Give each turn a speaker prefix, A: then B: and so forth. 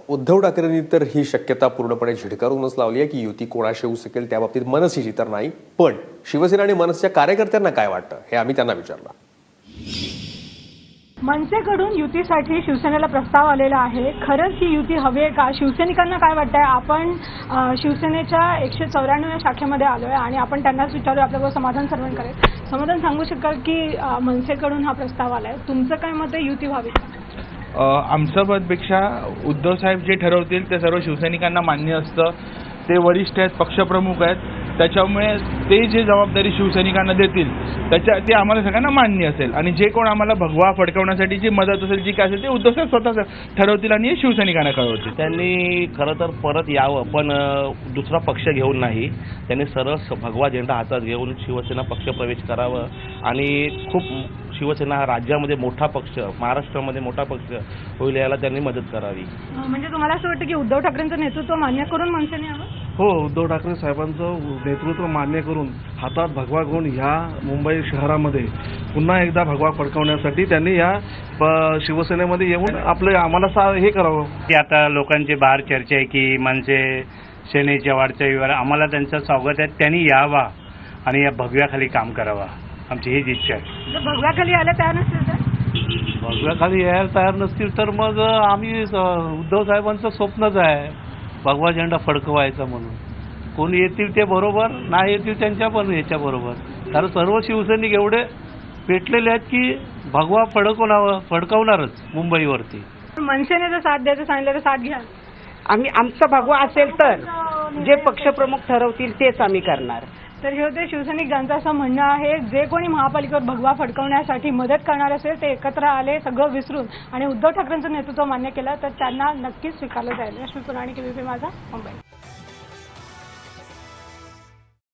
A: उद्धव ठाकरेंनी तर ही शक्यता पूर्णपणे झिडकारूनच लावली आहे की युती कोणाशी होऊ शकेल त्याबाबतीत मनसेची तर नाही, पण शिवसेना आणि मनसेच्या कार्यकर्त्यांना काय वाटतं हे आम्ही त्यांना विचारलं।
B: मनसेकडून युतीसाठी शिवसेनेला प्रस्ताव आलेला आहे। खरंच ही युती हवी आहे का? शिवसैनिकांना काय वाटतंय? आपण शिवसेनेच्या 194 शाखेमध्ये आलोय आणि आपण त्यांनाच विचारूया, आपल्याबरोबर समाधान सरवणकर समाधान सांगू शकाल की मनसेकडून हा प्रस्ताव आलाय, तुमचं काय मत आहे, युती व्हावी का?
C: आमच्या मतापेक्षा उद्धव साहेब जे ठरवतील ते सर्व शिवसैनिकांना मान्य असतं। ते वरिष्ठ आहेत, पक्षप्रमुख आहेत, त्याच्यामुळे ते जे जबाबदारी शिवसैनिकांना देतील ते आम्हाला सगळ्यांना मान्य असेल आणि जे कोण आम्हाला भगवा फडकवण्यासाठी जी मदत असेल, जी काय असेल ते उद्धव साहेब स्वतः ठरवतील आणि शिवसैनिकांना कळवतील।
D: त्यांनी खरं तर परत यावं, पण दुसरा पक्ष घेऊन नाही, त्यांनी सरळ भगवा झेंडा हातात घेऊन शिवसेना पक्षप्रवेश करावं आणि खूप शिवसेना हा राज्यामध्ये मोठा पक्ष, महाराष्ट्रामध्ये मोठा पक्ष होईल याला त्यांनी मदत करावी।
B: म्हणजे तुम्हाला असं वाटतं की उद्धव ठाकरेंचं नेतृत्व मान्य करून मनसेने यावं?
E: हो, उद्धव ठाकरे साहेबांचं नेतृत्व मान्य करून हातात भगवा घेऊन ह्या मुंबई शहरामध्ये पुन्हा एकदा भगवा फडकवण्यासाठी त्यांनी या शिवसेनेमध्ये येऊन आपलं आम्हाला हे करावं।
F: की आता लोकांची बाहेर चर्चा आहे की मनसे सेनेच्या वाढत्या आम्हाला त्यांचं स्वागत आहे, त्यांनी यावा आणि या भगव्याखाली काम करावा, आमची हीच इच्छा आहे।
B: भगव्याखाली यायला तयार नसतील तर?
E: भगव्याखाली यायला तयार नसतील तर मग आम्ही उद्धव साहेबांचं स्वप्नच आहे भगवा झेंडा फडकवायचा म्हणून। कोणी येतील ते बरोबर, नाही येतील त्यांच्या पण याच्या बरोबर, कारण सर्व शिवसैनिक एवढे पेटलेले आहेत की भगवा फडकवणारच मुंबईवरती।
B: मनसेने जर साथ द्यायचं सांगितलं तर साथ घ्या?
G: आमचा भगवा असेल तर जे पक्षप्रमुख ठरवतील तेच आम्ही करणार।
B: तर हे होते शिवसैनिक ज्यांचं असं म्हणणं आहे, जे कोणी महापालिकेवर भगवा फडकवण्यासाठी मदत करणार असेल ते एकत्र आले, सगळं विसरून आणि उद्धव ठाकरेंचं नेतृत्व मान्य केलं तर त्यांना नक्कीच स्वीकारलं जाईल। रश्मी पुराणिक, ABP माझा, मुंबई।